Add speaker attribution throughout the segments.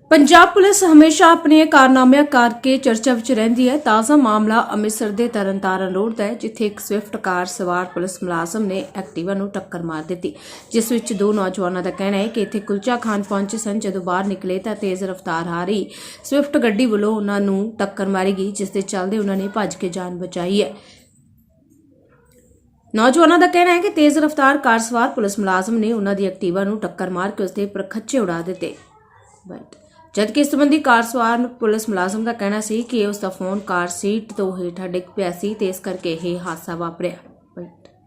Speaker 1: Punjab police हमेशा अपने कारनामिਆਂ ਕਰਕੇ ਚਰਚਾ ਵਿੱਚ ਰਹਿੰਦੀ ਹੈ। ਤਾਜ਼ਾ ਮਾਮਲਾ ਅੰਮ੍ਰਿਤਸਰ ਦੇ ਤਰਨਤਾਰਨ ਰੋਡ ਦਾ ਹੈ, ਜਿੱਥੇ ਇੱਕ ਸਵਿਫਟ ਕਾਰ ਸਵਾਰ ਪੁਲਿਸ ਮੁਲਾਜ਼ਮ ਨੇ ਐਕਟਿਵਾ ਨੂੰ ਟੱਕਰ ਮਾਰ ਦਿੱਤੀ, ਜਿਸ ਵਿੱਚ ਦੋ ਨੌਜਵਾਨਾਂ ਦਾ ਕਹਿਣਾ ਹੈ ਕਿ ਇੱਥੇ ਕੁਲਚਾ ਖਾਨ ਪਹੁੰਚੇ ਸਨ। ਜਦੋਂ ਬਾਹਰ ਨਿਕਲੇ ਤਾਂ ਤੇਜ਼ ਰਫ਼ਤਾਰ ਆ ਰਹੀ ਸਵਿਫਟ ਗੱਡੀ ਵੱਲੋਂ ਉਹਨਾਂ ਨੂੰ ਟੱਕਰ ਮਾਰੀ ਗਈ, ਜਿਸ ਦੇ ਚੱਲਦੇ ਉਹਨਾਂ ਨੇ ਭੱਜ ਕੇ ਜਾਨ ਬਚਾਈ ਹੈ। ਨੌਜਵਾਨਾਂ ਦਾ ਕਹਿਣਾ ਹੈ ਕਿ ਤੇਜ਼ ਰਫ਼ਤਾਰ ਕਾਰ ਸਵਾਰ ਪੁਲਿਸ ਮੁਲਾਜ਼ਮ ਨੇ ਉਹਨਾਂ ਦੀ ਐਕਟਿਵਾ ਨੂੰ ਟੱਕਰ ਮਾਰ ਕੇ ਉਸਦੇ ਪਰਖੱਚੇ ਉਡਾ ਦਿੱਤੇ। जबकि इस संबंधी कार सवार पुलिस मुलाजम का कहना सी कि उसका फोन कार सीट तो हेठा डिग पिया सी ते इस करके यह हादसा वापरिया।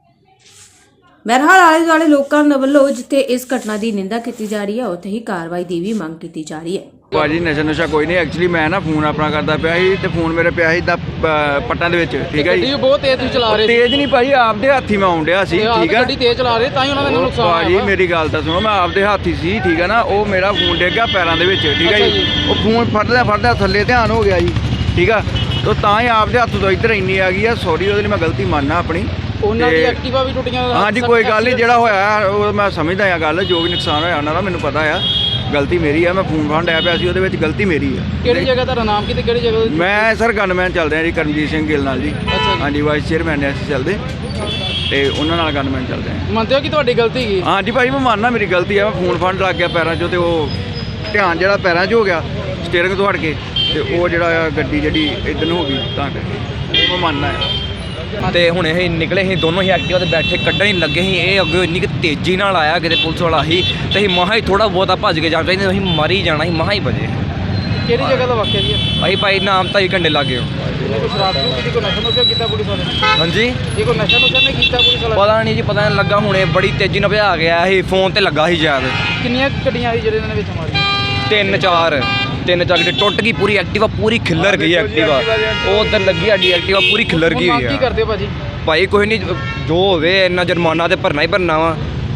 Speaker 1: बहरहाल आले दुआले लोगों ਵੱਲੋਂ जिथे इस घटना की निंदा की जा रही है, उत्थे ही कार्रवाई की भी मांग की जा रही है।
Speaker 2: भाजी नशा नुशा कोई नहीं, एक्चुअली मैं ना फोन अपना करता पिया ਸੀ ਤੇ ਫੋਨ ਮੇਰੇ ਪਿਆ ਸੀ ਪੱਟਾਂ ਦੇ ਵਿੱਚ। ਠੀਕ ਹੈ ਜੀ,
Speaker 3: ਬਹੁਤ ਤੇਜ਼ ਤੁਸੀਂ ਚਲਾ ਰਹੇ ਸੀ।
Speaker 2: ਤੇਜ਼ ਨਹੀਂ ਭਾਜੀ, ਆਪਦੇ ਹੱਥੀ ਮੈਂ ਆਉਣ ਡਿਆ ਸੀ। ਠੀਕ ਹੈ,
Speaker 3: ਗੱਡੀ ਤੇਜ਼ ਚਲਾ ਰਹੇ ਤਾਂ ਹੀ ਉਹਨਾਂ ਦਾ ਨੁਕਸਾਨ ਹੋਇਆ।
Speaker 2: ਭਾਜੀ ਮੇਰੀ ਗੱਲ ਤਾਂ ਸੁਣੋ, ਮੈਂ ਆਪਦੇ ਹੱਥੀ ਸੀ। ਠੀਕ ਹੈ ਨਾ, ਉਹ ਮੇਰਾ ਫੋਨ ਡਿੱਗ ਗਿਆ ਪੈਰਾਂ ਦੇ ਵਿੱਚ। ਠੀਕ ਹੈ ਜੀ, ਉਹ ਫੋਨ ਫੜਦਾ ਥੱਲੇ ਧਿਆਨ ਹੋ ਗਿਆ ਜੀ। ਠੀਕ ਆ, ਤਾਂ ਤਾਂ ਹੀ ਆਪਦੇ ਹੱਥ ਤੋਂ ਇੱਧਰ ਇੰਨੀ ਆ ਗਈ ਆ। ਸੌਰੀ, ਉਹਦੇ ਲਈ ਮੈਂ ਗਲਤੀ ਮੰਨਣਾ ਆਪਣੀ।
Speaker 3: ਉਹਨਾਂ ਦੀ ਐਕਟਿਵਾ ਵੀ ਟੁੱਟੀਆਂ।
Speaker 2: ਹਾਂਜੀ ਕੋਈ ਗੱਲ ਨਹੀਂ, ਜਿਹੜਾ ਹੋਇਆ ਉਹ ਮੈਂ ਸਮਝਦਾ ਆ ਗੱਲ, ਜੋ ਵੀ ਨੁਕਸਾਨ ਹੋਇਆ ਉਹਨਾਂ ਦਾ ਮੈਨੂੰ ਪਤਾ ਆ। ਗਲਤੀ ਮੇਰੀ ਆ, ਮੈਂ ਫੋਨ ਫੜਨ ਡਿਆ ਪਿਆ ਸੀ, ਉਹਦੇ ਵਿੱਚ ਗਲਤੀ ਮੇਰੀ ਆ।
Speaker 3: ਕਿਹੜੀ ਜਗ੍ਹਾ ਤੁਹਾਡਾ ਨਾਮ ਕੀ ਤੇ ਕਿਹੜੀ ਜਗ੍ਹਾ?
Speaker 2: ਮੈਂ ਸਰ ਗਨਮੈਨ ਚੱਲ ਰਿਹਾ ਜੀ, ਕਰਮਜੀਤ ਸਿੰਘ ਗਿੱਲ ਨਾਲ ਜੀ। ਹਾਂਜੀ, ਵਾਈਸ ਚੇਅਰਮੈਨ ਨੇ ਅਸੀਂ ਚੱਲਦੇ ਤੇ ਉਹਨਾਂ ਨਾਲ ਗਨਮੈਨ ਚੱਲਦੇ ਹਾਂ।
Speaker 3: ਮੰਨਦੇ ਹੋ ਕਿ ਤੁਹਾਡੀ ਗਲਤੀ ਕੀ?
Speaker 2: ਹਾਂਜੀ ਭਾਈ, ਮੈਂ ਮੰਨਣਾ ਮੇਰੀ ਗਲਤੀ ਆ। ਮੈਂ ਫੋਨ ਫੜਨ ਲੱਗ ਗਿਆ ਪੈਰਾਂ 'ਚੋਂ, ਤੇ ਉਹ ਧਿਆਨ ਜਿਹੜਾ ਪੈਰਾਂ 'ਚ ਹੋ ਗਿਆ ਸਟੀਅਰਿੰਗ ਤੋਂ ਹਟ ਕੇ, ਤੇ ਉਹ ਜਿਹੜਾ ਗੱਡੀ ਜਿਹੜੀ ਇੱਧਰ ਨੂੰ ਹੋ ਗਈ, ਤਾਂ ਕਰਕੇ ਉਹ ਮੈਂ ਮੰਨਣਾ ਆ।
Speaker 4: ਤੇ ਹੁਣ ਇਹ ਨਿਕਲੇ ਸੀ ਦੋਨੋਂ ਹੀ ਐਕਟਿਵਾ ਤੇ ਬੈਠੇ, ਕੱਢਣ ਹੀ ਲੱਗੇ ਸੀ। ਇਹ ਅੱਗੇ ਇੰਨੀ ਕਿ ਤੇਜ਼ੀ ਨਾਲ ਆਇਆ ਕਿਤੇ ਪੁਲਿਸ ਵਾਲਾ ਸੀ, ਤੇ ਅਸੀਂ ਮਹਾ ਹੀ ਥੋੜਾ ਬਹੁਤਾ ਭੱਜ ਕੇ ਜਾਣਾ ਚਾਹੀਦਾ, ਅਸੀਂ ਮਾਰੀ ਜਾਣਾ ਸੀ, ਮਹਾ ਹੀ ਬਜੇ।
Speaker 3: ਕਿਹੜੀ ਜਗ੍ਹਾ ਦਾ ਵਾਕਿਆ ਜੀ?
Speaker 4: ਅਸੀਂ ਭਾਈ ਨਾਮ ਤਾਂ ਹੀ ਘੰਟੇ ਲੱਗ ਗਏ।
Speaker 3: ਕੋਈ ਸ਼ਰਾਬ ਨੂੰ ਕਿਤੇ ਕੋਈ ਨਸ਼ਾ ਨੁਸ਼ਾ ਕੀਤਾ ਪੁਲਿਸ ਵਾਲੇ?
Speaker 4: ਹਾਂਜੀ,
Speaker 3: ਇਹ ਕੋਈ ਨਸ਼ਾ ਨੁਸ਼ਾ ਨਹੀਂ ਕੀਤਾ ਪੁਲਿਸ ਵਾਲਾ?
Speaker 4: ਪਤਾ ਨਹੀਂ ਜੀ, ਪਤਾ ਨਹੀਂ ਲੱਗਾ। ਹੁਣੇ ਬੜੀ ਤੇਜ਼ੀ ਨਾਲ ਭਜਾ ਗਿਆ ਸੀ, ਫੋਨ ਤੇ ਲੱਗਾ ਸੀ ਸ਼ਾਇਦ।
Speaker 3: ਕਿੰਨੀਆਂ ਗੱਡੀਆਂ ਸੀ ਜਿਹੜੇ ਇਹਨਾਂ ਨੇ ਵਿੱਚ ਮਾਰੀਆਂ?
Speaker 4: ਤਿੰਨ ਚਾਰ ਗੱਡੀ ਟੁੱਟ ਗਈ ਪੂਰੀ। ਐਕਟਿਵਾ ਪੂਰੀ ਖਿੱਲਰ ਗਈ। ਐਕਟਿਵਾ ਉਹ ਉੱਧਰ ਲੱਗੀ, ਸਾਡੀ ਐਕਟਿਵਾ ਪੂਰੀ ਖਿੱਲਰ ਗਈ ਹੋਈ
Speaker 3: ਕੀ ਕਰਦੇ ਹੋ ਭਾਜੀ?
Speaker 4: ਭਾਈ ਕੋਈ ਨਹੀਂ, ਜੋ ਹੋਵੇ ਇੰਨਾ ਜੁਰਮਾਨਾ ਤੇ ਭਰਨਾ ਹੀ ਭਰਨਾ ਵਾ।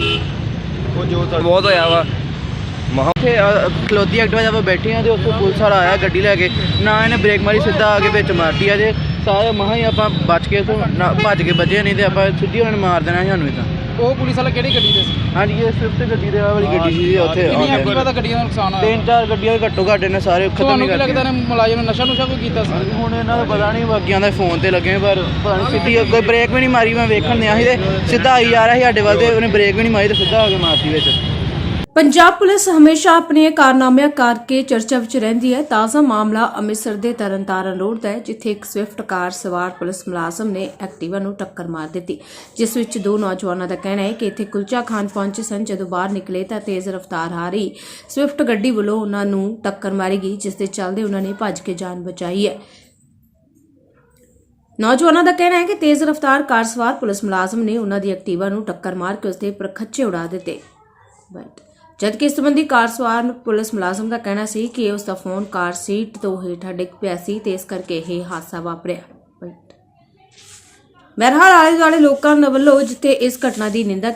Speaker 4: ਉਹ ਜੋ ਬਹੁਤ ਹੋਇਆ ਵਾ। ਮਹਾ
Speaker 5: ਖਲੋਤੀ ਐਕਟਿਵਾ ਜਦ ਬੈਠੇ ਆ ਤੇ ਉਸ ਤੋਂ ਪੁਲਿਸ ਵਾਲਾ ਆਇਆ ਗੱਡੀ ਲੈ ਕੇ, ਨਾ ਇਹਨੇ ਬ੍ਰੇਕ ਮਾਰੀ, ਸਿੱਧਾ ਆ ਕੇ ਵਿੱਚ ਮਾਰਤੀ ਆ। ਜੇ ਸਾਰੇ ਮਹਾ ਹੀ ਆਪਾਂ ਬਚ ਕੇ ਤੋਂ ਭੱਜ ਕੇ ਬਚੇ, ਨਹੀਂ ਤੇ ਆਪਾਂ ਸਿੱਧੀ ਉਹਨਾਂ ਨੇ ਮਾਰ ਦੇਣਾ ਸੀ ਸਾਨੂੰ। ਤਾਂ
Speaker 3: ਉਹ ਪੁਲਿਸ ਵਾਲਾ ਕਿਹੜੀ ਗੱਡੀ ਦੇ ਸੀ?
Speaker 5: ਹਾਂਜੀ, ਇਹ ਸਵਿਫਟ ਗੱਡੀ ਦੇ ਵਾਲੀ ਗੱਡੀ ਸੀ। ਉੱਥੇ
Speaker 3: ਕਿੰਨੀ ਐਕਟਿਵਾ ਦਾ ਗੱਡੀਆਂ ਦਾ ਨੁਕਸਾਨ ਹੋਇਆ?
Speaker 5: ਤਿੰਨ ਚਾਰ ਗੱਡੀਆਂ ਘੱਟੋ ਘੱਟ ਇਹਨੇ ਸਾਰੇ ਖਤਮ
Speaker 3: ਤੁਹਾਨੂੰ
Speaker 5: ਨਹੀਂ
Speaker 3: ਕੀ ਲੱਗਦਾ
Speaker 5: ਕਰਤੀਆਂ।
Speaker 3: ਨੇ ਮੁਲਾਜ਼ਮ ਨੇ ਨਸ਼ਾ ਨੁਸ਼ਾ ਕੋਈ ਕੀਤਾ ਸੀ?
Speaker 5: ਹੁਣ ਇਹਨਾਂ ਦਾ ਪਤਾ ਨਹੀਂ, ਬਾਕੀਆਂ ਦਾ ਫੋਨ ਤੇ ਲੱਗੇ, ਪਰ ਪਤਾ ਨਹੀਂ ਸਿੱਧੀ ਕੋਈ ਬ੍ਰੇਕ ਵੀ ਨਹੀਂ ਮਾਰੀ। ਮੈਂ ਵੇਖਣ ਦਿਆ ਸੀ ਤੇ ਸਿੱਧਾ ਆਈ ਜਾ ਰਿਹਾ ਸੀ ਸਾਡੇ ਵੱਲ, ਤੇ ਉਹਨੇ ਬ੍ਰੇਕ ਵੀ ਨਹੀਂ ਮਾਰੀ ਤੇ ਸਿੱਧਾ ਆ ਕੇ ਮਾਰਤੀ ਵਿੱਚ।
Speaker 1: पंजाब पुलिस हमेशा अपने कारनामिਆਂ ਕਰਕੇ ਚਰਚਾ ਵਿੱਚ ਰਹਿੰਦੀ ਹੈ। ਤਾਜ਼ਾ ਮਾਮਲਾ ਅੰਮ੍ਰਿਤਸਰ ਦੇ ਤਰਨਤਾਰਨ ਰੋਡ ਦਾ ਹੈ, ਜਿੱਥੇ ਇੱਕ ਸਵਿਫਟ ਕਾਰ ਸਵਾਰ ਪੁਲਿਸ ਮੁਲਾਜ਼ਮ ਨੇ ਐਕਟਿਵਾ ਨੂੰ ਟੱਕਰ ਮਾਰ ਦਿੱਤੀ, ਜਿਸ ਵਿੱਚ ਦੋ ਨੌਜਵਾਨਾਂ ਦਾ ਕਹਿਣਾ ਹੈ ਕਿ ਇੱਥੇ ਕੁਲਚਾ ਖਾਨ ਪਹੁੰਚੇ ਸਨ। ਜਦੋਂ ਬਾਹਰ ਨਿਕਲੇ ਤਾਂ ਤੇਜ਼ ਰਫ਼ਤਾਰ ਆ ਰਹੀ ਸਵਿਫਟ ਗੱਡੀ ਵੱਲੋਂ ਉਹਨਾਂ ਨੂੰ ਟੱਕਰ ਮਾਰੀ ਗਈ, ਜਿਸ ਦੇ ਚੱਲਦੇ ਉਹਨਾਂ ਨੇ ਭੱਜ ਕੇ ਜਾਨ ਬਚਾਈ ਹੈ। ਨੌਜਵਾਨਾਂ ਦਾ ਕਹਿਣਾ ਹੈ ਕਿ ਤੇਜ਼ ਰਫ਼ਤਾਰ ਕਾਰ ਸਵਾਰ ਪੁਲਿਸ ਮੁਲਾਜ਼ਮ ਨੇ ਉਹਨਾਂ ਦੀ ਐਕਟਿਵਾ ਨੂੰ ਟੱਕਰ ਮਾਰ ਕੇ ਉਸਦੇ ਪਰਖੱਚੇ ਉਡਾ ਦਿੱਤੇ। जबकि इस संबंधी कार सवार पुलिस मुलाजम का कहना सी कि उसका फोन कार सीट तो हेठा डिग पिया सी ते इस करके यह हादसा वापरिया। बहरहाल आले दुआले लोगों ਵੱਲੋਂ जिथे इस घटना की निंदा